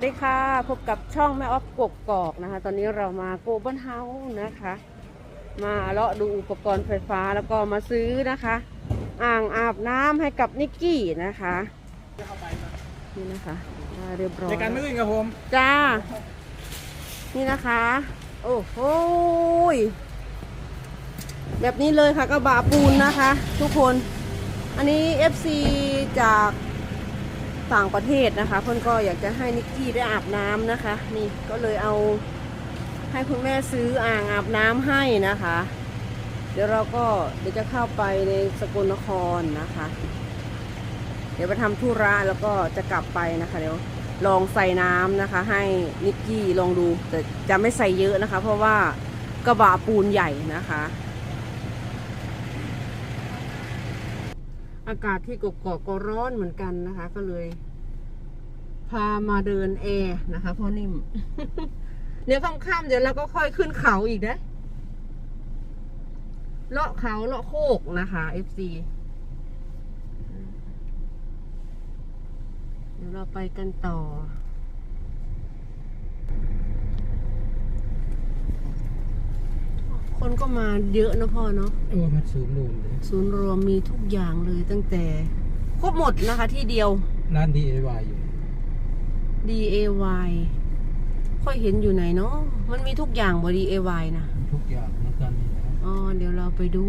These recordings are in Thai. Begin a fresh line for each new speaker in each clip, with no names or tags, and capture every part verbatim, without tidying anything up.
ดีค่ะพบกับช่องแม่ออฟกกอกนะคะตอนนี้เรามาโกลบอลเฮาส์นะคะมาเลาะดูอุปกรณ์ไฟฟ้าแล้วก็มาซื้อนะคะอ่างอาบน้ำให้กับนิกกี้นะคะนี่นะคะเรียบร้อยในการไม่วิ่งกับผมจ้านี่นะคะโอ้โหแบบนี้เลยค่ะกระบะปูนนะคะทุกคนอันนี้ เอฟ ซี จากต่างประเทศนะคะเพื่อนก็อยากจะให้นิกกี้ได้อาบน้ำนะคะนี่ก็เลยเอาให้คุณแม่ซื้ออ่างอาบน้ำให้นะคะเดี๋ยวเราก็เดี๋ยวจะเข้าไปในสกลนครนะคะเดี๋ยวไปทำธุระแล้วก็จะกลับไปนะคะเดี๋ยวลองใส่น้ำนะคะให้นิกกี้ลองดูแต่จะไม่ใส่เยอะนะคะเพราะว่ากระบะปูนใหญ่นะคะอากาศที่กกอกก็ร้อนเหมือนกันนะคะก็เลยพามาเดินแอร์นะคะพ่อนิ่ม เดี๋ยวค่ำๆเดี๋ยวเราก็ค่อยขึ้นเขาอีกนะเลาะเขาเลาะโคกนะคะ เอฟ ซี เดี๋ยวเราไปกันต่อคนก็มาเยอะนะพ่อเนาะเออมันศูนย์รวมเลยศูนย์รวมมีทุกอย่างเลยตั้งแต่ครบหมดนะคะที่เดียวร้าน ดี เอ วาย อยู่ ดี เอ วาย ค่อยเห็นอยู่ไหนเนาะมันมีทุกอย่างบอ ดี เอ วาย นะทุกอย่างเหมือนกันนี่นะอ๋อเดี๋ยวเราไปดู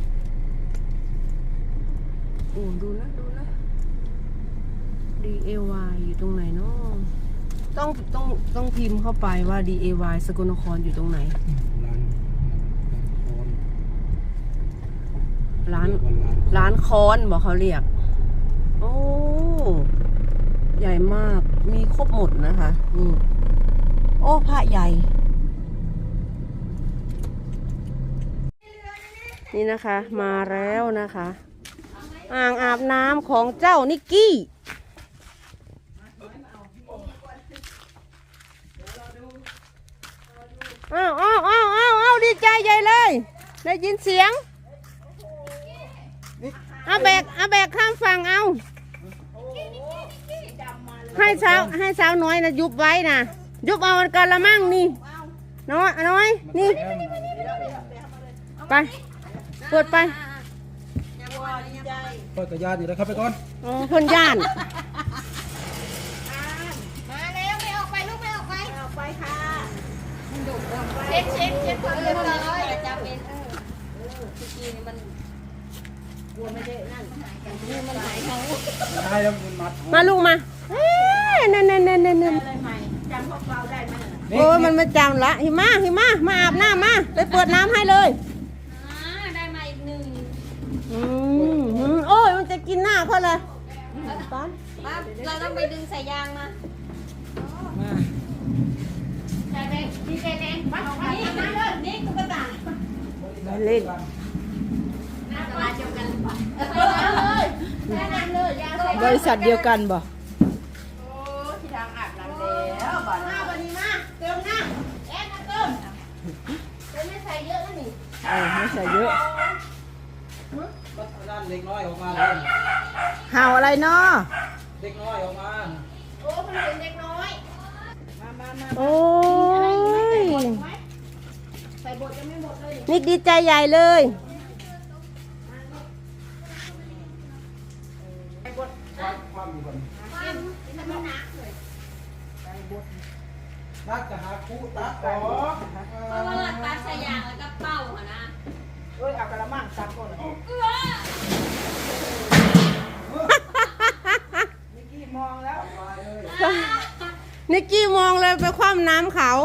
โอ้ดูนะดูนะ ดี เอ วาย อยู่ตรงไหนเนาะต้องต้องต้องพิมพ์เข้าไปว่า ดี เอ วาย สกลนครอยู่ตรงไหนร้านร้านค้อนบอกเขาเรียกโอ้ใหญ่มากมีครบหมดนะคะนี่โอ้พระใหญ่นี่นะคะมาแล้วนะคะอ่างอาบน้ำของเจ้านิกกี้อ้าวอ้าวอ้าวอ้าวอ้าวดีใจใหญ่เลยได้ยินเสียงเอาแบกเอาแบกข้ามฝั่งเอาให้สาวให้สาวน้อยนะยุบไว้นะยุบเอากระมังนี่น้อยน้อยนี่ไปเปิดไปเปิดกระยานอยู่แล้วครับไปก่อนอ๋อพ่นย่าน
มาแล้วไม่ออกไปลูกไม่ออกไปออกไปค่ะเช็ดเช็ดเช็ดความเรียบร้อยจะเป็นเออเออที่กี้นี่มันกลัวไม่ได้นั่นนี่มันหายเขาได้แล้วมันมัด
มาลูกมาเฮ้ยนั่นนั่นนั่นนั่นนั่น
จำพวกเราได้ไหม
โอ้มันมาจำละหิมะหิมะมาอาบน้ำมาเลยเปิดน้ำให้เลย
ได้มาอีกหนึ่ง
อืมโอ้ยมันจะกินหน้าเขาเลยตอน
เราต้องไปดึงสายยางมาใช่ไหมดีเจแดงมานี่มาเลยนี่ตุ๊กตา
เล่นบริษัทเดียวกันบ่
โอ้ที่ทางอาบน้ำแล้วบ่หน้าวันนี้มาเติมหน้าแอนมาเติมเติมไม่ใส่เยอะนะนี่
เออไม่ใส่เยอะ
ด้านเล็กน้อยออกมาเลย
ห่าวอะไรเนาะ
เล็กน้อยออกมา
โอ้คนเป็นเด็กน้อยมามามา
โอ้ย
ใส่บทจะไม่หมดเลย
นิกดีใจใหญ่เลย
ความอยู่บนนักจะหาคู่ตัดต่อ
เพราะว่าตัดสายยางแล้วก็เป่าหัวนะ
เอ้ยเอากระมังตัดก่อนนิกกี้มองแล้ว
นิกกี้มองเลยไปคว่ำน้ำเขา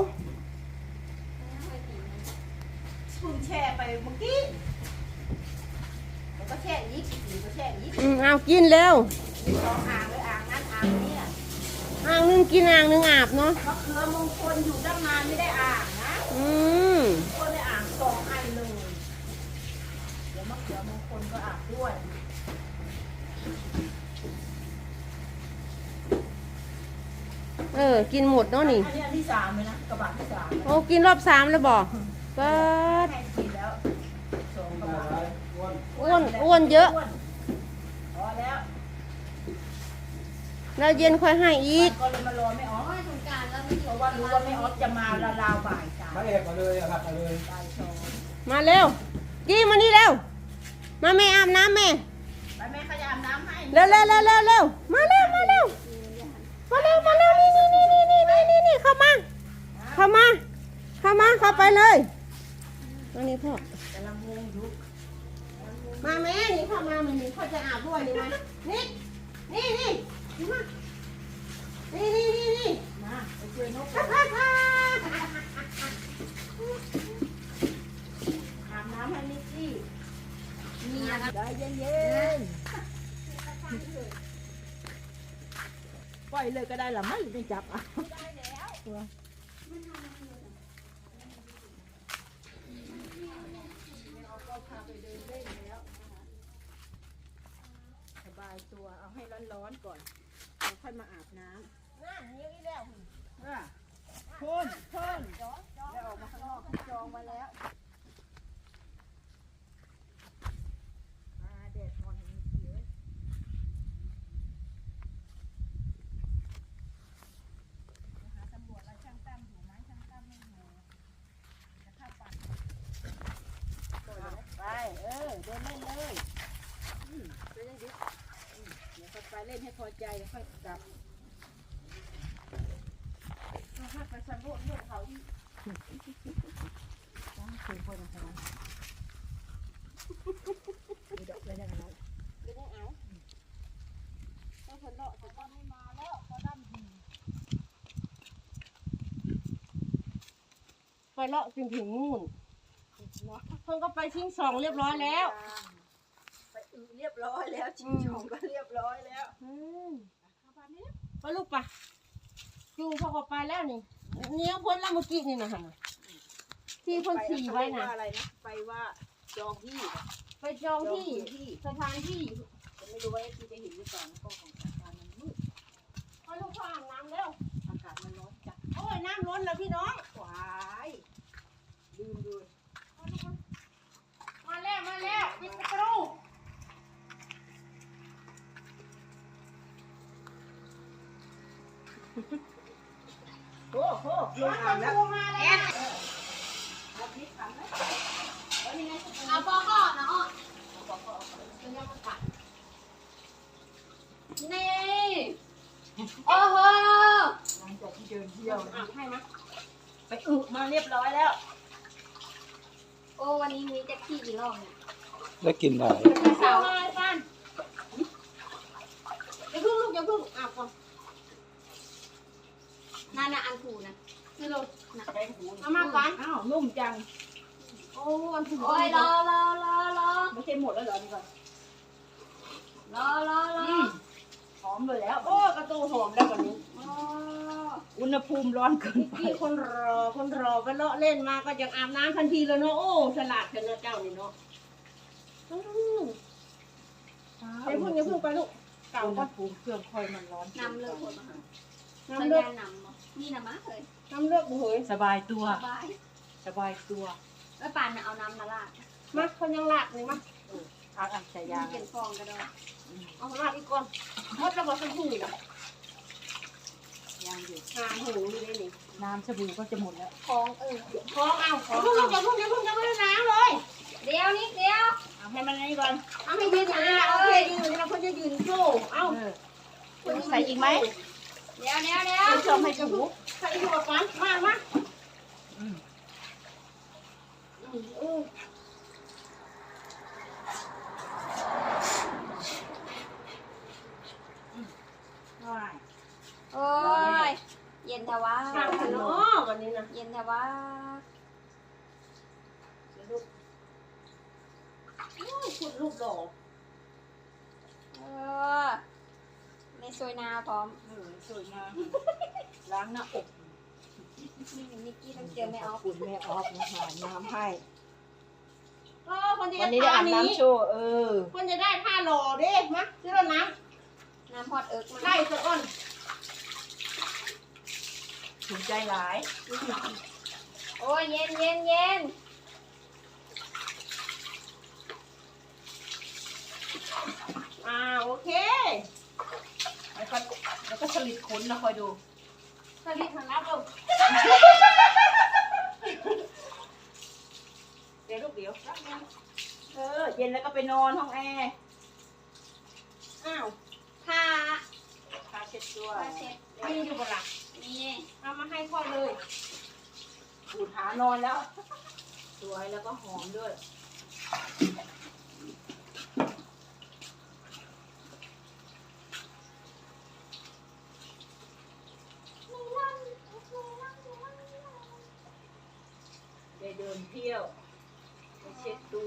พุ่งแช่ไปเมื่อกี้แล้วก็แช่อีกแล้วก็แช่อีก
อืมเอากินเร็ว
สองอ่างเลยอ่างนั้นอ่างนี้
อ่างนึงกินอ่างนึงอาบเนาะ
มะเขือมงคลอยู่ตั้งนานไม่ได้อ่างนะ
อืม
คนได้อ่างสองอันเลยเดี๋ยวมะเขือมงคลก็อาบด้วย
เออกินหมดเนาะนี่
อันนี้อันที่สามเลยนะกระบะที่สาม
โอ้กินรอบสามแล้วบอกเปิด
กินแล้วสองกระบะ
อ้วนอ้วนเยอะ
พอแล้ว
แล้วเย็นค่อยให้อีก
ก็เลยมารอไม่อ๋อเพราะว่ารู้ว่าแม่ออสจะมาละลาวบ่ายสาม
มาเอกมาเลยอะครับมาเลย
บ่ายสอง
มาเร็วกี้มานี่เร็วมาแม่อาบน้ำแม่
ไปแม่ขยามน้ำให้
เร็วเร็วเร็วเร็วเร็วมาเร็วมาเร็วมาเร็วมาเร็วนี่นี่นี่นี่นี่นี่นี่เข้ามาเข้ามาเข้ามาเข้าไปเลยมานี่พ่อก
ำลังงงอยู่
มาแม่นี่เข้ามามันนี่เขาจะอาบด้วยนี่มานี่นี่นี่นี่มานี่นี่นี่นี่
มาไปช่วยนก
ฮ่าฮ่าฮ่า
อาบน้ำให้นิกกี้
นี่นะคะ
ใจเย็นๆปล่อยเลยก็ได้หรอไม่ไม่จับอ่ะสบายตัวเอาให้ร้อนๆก่อนแล้วค่อยมาอาบน้ำ
นั่นนี่อีแล้ว
อ่ะพ่นพ่นแล้วออกมาข้างนอกจองมาแล้วมาแดดอ่อนอย่างนี้เยอะหาตำรวจแล้วช่างตั้มอยู่ไหมช่างตั้มไม่อยู่จะเข้าปั่นไปเออเดินเล่นเลยอืมไปเล่นดิอืมเดี๋ยวค่อยไปเล่นให้พอใจแล้วค่อยกลับ ถ้าไปสำรวจเรื่องเขาอีกต้องคุยคนอะไรมีดอกอะไรอย่างนั้น
เดี๋ยวเอาต้องคนเลาะจะต้องไม่มาแล้วก็ดั้มดีไปเลาะจนถึงนู่นเพิ่งก็ไปทิ้งสองเรียบร้อยแล้ว
ไปอือเรียบร้อยแล้วชิงชองก็เรียบร้อยแล้ว
อืมไปลูกปะจูพอก็ไปแล้วนี่เนี้ยพ้นแล้วเมื่อกี้นี่นะฮะที่เพ้นขี่ไว้นะ
อะไรนะไปว่าจองที่
ไปจองที่สถานที่
จะไม่รู้ว่าที่จะเห็นหรือเปล่านะก็ของสถานมันมืด
ไปลูกพ่ออาบน้ำแล้ว
อากาศมันร้อนจัด
โอ้ยน้ำล้นแล้วพี่น้อง
หวายลืมเลย
มาแล้วมาแล้วปิดประตู
โอ้โหลง
มา
อ่านแล้ว
มาแล้ว
เอาพริกทำไหม
เอาปอก่อนนะอ๋อเป็นยังไงกันนี่โอ้โห
หลังจากที่เดินเที่ยว
อ่ะให้นะ
ไปอึมาเรียบร้อยแล้ว
โอ้วันนี้มีแจ็คกี้กี่รอบเนี่ย
ได้กินได้
ไปเสาอะไรกันอย่าเพิ่งลูกอย่าเพิ่งอาบก่อน
นั่นน่ะอันถูนะคือเราน่ะ
แกงหู
เอามาก่อน
อ้าวนุ่มจัง
โอ้อันถูก
โอ้ยรอรอรอรอ
ไม่ใช่หมดแล้วเหรอนี่ก่อน
รอรอรอ
หอมเลยแล้ว
โอ้กระตูหอมแล้วกว่านี้
อ๋อ
อุณหภูมิร้อนเกินไป
พี่คนรอคนรอไปเลาะเล่นมาก็ยังอาบน้ำทันทีเลยเนาะโอ้ฉลาดเกินนะเจ้านี่เนาะอืมอย่าเพิ่งอย่าเพิ่งไปลูกเก่า
อุณห
ก็
ภูมิเครื่องค่อยมันร้อน
นำเลยคนมาหาสั
น้ำ
ญ
เลือด
ญาณนำเหรอนี่นะมะเลย
น้ำเลือดบุเหย
สบายตัว
สบาย
สบายตัว
แล้วปานน่ะเอาน้ำมาลาด
มาคนยังหลักเลยมา
อาอันใส่ยาง
เป็นฟองก็ได้
เอาลาดอีกก่อนหมดแล้วบอกสักทีนะ
ยางอยู่
หาหูนี่เลยนี่
น้ำสบู่ก็จะหมดแล้ว
ฟองเออ
ขอเอาขอเอาอย่าเพิ่งอย่าเพิ่งอย่าเพิ่งน้ำเลย
เดี๋ยวนิดเดียว
เอาให้มันนี่ก่อน
เอาให้ยืนอ่ะโอเคยืนเราเพิ่งจะยืนโซ่เอา
เออใส่อีกไหม
เดี๋ยวเดี๋ยวเดี๋ยว
ไม่ชอบให้ถู
ใส่หัวก่อนมามา
อืม
อืม
ใช่
โอ้ยเย็นทว่า
ข้าวขนมวันนี้นะ
เย็นทว่า
ชุดลูกดอก
เออในซอยนาพร้อม
เออสวยงามล้างหน้าอก
นี่นิกกี้ต้องเจอแม่ออฟ
คุณแม่ออฟนะคะน้ำให้
เออคนจะ
วันนี้ได้อาบน้ำโชว์เออ
คนจะได้ผ้าหล่อเด้มาซื้อแล้วน้
น้ำฮอตเอิร์ก
ำ
มา
ไล่สะอ้อน
ถูกใจหลาย
โอ้ยเย็นเย็นเย็น
อ่าโอเค
แล้วก็แล้วก็สลิดขนนะคอยดูสลิดหันรับลงเดี๋ยวลูกเดี๋ยวรับนึงเออเย็นแล้วก็ไปนอนห้องแอร์อ้าว
ผ้า
ผ้าเช็ดตัว
ผ้าเช็ด
มีอยู่บนหลัง
นี่
เอามาให้พ่อเลยปูดหานอนแล้ว สวยแล้วก็หอมด้วยได้เดินเที่ยวไปเช็ดตัว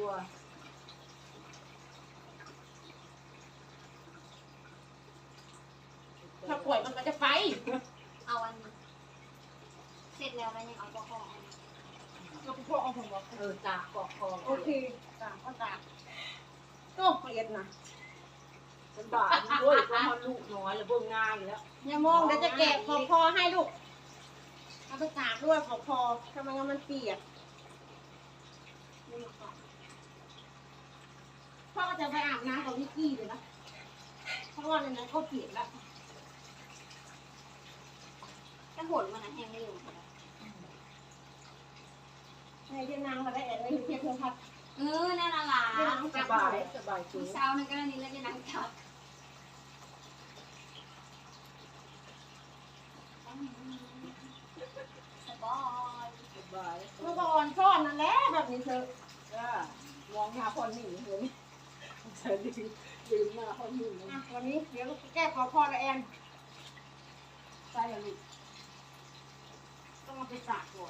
ถ้าป่วยมันก็จะไป
เอาอันนี้เสร็จแล้วแล้วยังเอาปอกคอ
ก็พ่อเอาผมบอกเออตากกอกคอ
โอเคตากก็ตากโอ้เปลี่ยนนะ
ฉันบาดด้วยเพราะมันลูกน้อยแล้วเบิ่งงานแล้ว
อย่ามองเดี๋ยวจะแกะขอบคอให้ลูกเอาไปตากด้วยขอบคอทำไมงั้นมันเปียกพ่อก็จะไปอาบน้ำกับวิกกี้เลยนะเพราะว่าในนั้นเขาเปียกแล้ว
ถ้าหดมันนะแห้งไม่อยู่
ในเวียดนามเขาได้แอนในเทียบเพื่อนพัด
เออนั่นละล่ะ
สบายสบายจริง
เช้านั่นก็นี่แล้วจะนั่งทับ สบาย
สบาย
เมื่อก่อนซ่อนนั่นแหละแบบนี้เธอ
ก็มองหาคนหนีเห็นใส่ดีลืมหน้าคนหนี
อ่ะวันนี้เดี๋ยวลูกแก้ขอพอละแอนใส่อย่าลูกต้องเอาไปตากก่อน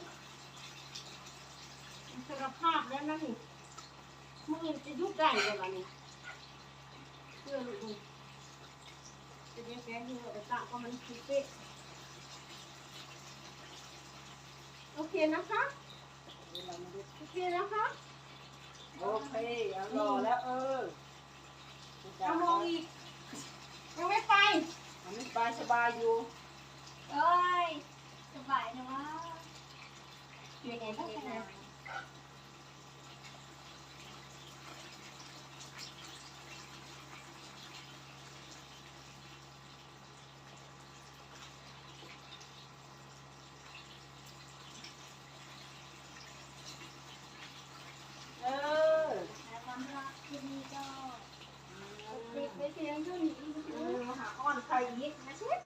มันสารภาพแล้วนะนี่มึงจะยุบได้เลยล่ะนี่เชื่อลูกมึงจะเลี้ยงแกงที่เราไปตากเพราะมันคิดเป๊ะโอเคนะคะโอเคนะคะ
โอเคเอารอแล้วเออ
เอามองอีกยังไม่ไป
มันไม่ไปสบายอยู่
เอ้ย สบายนะวะ
ยังไงบ้างนะ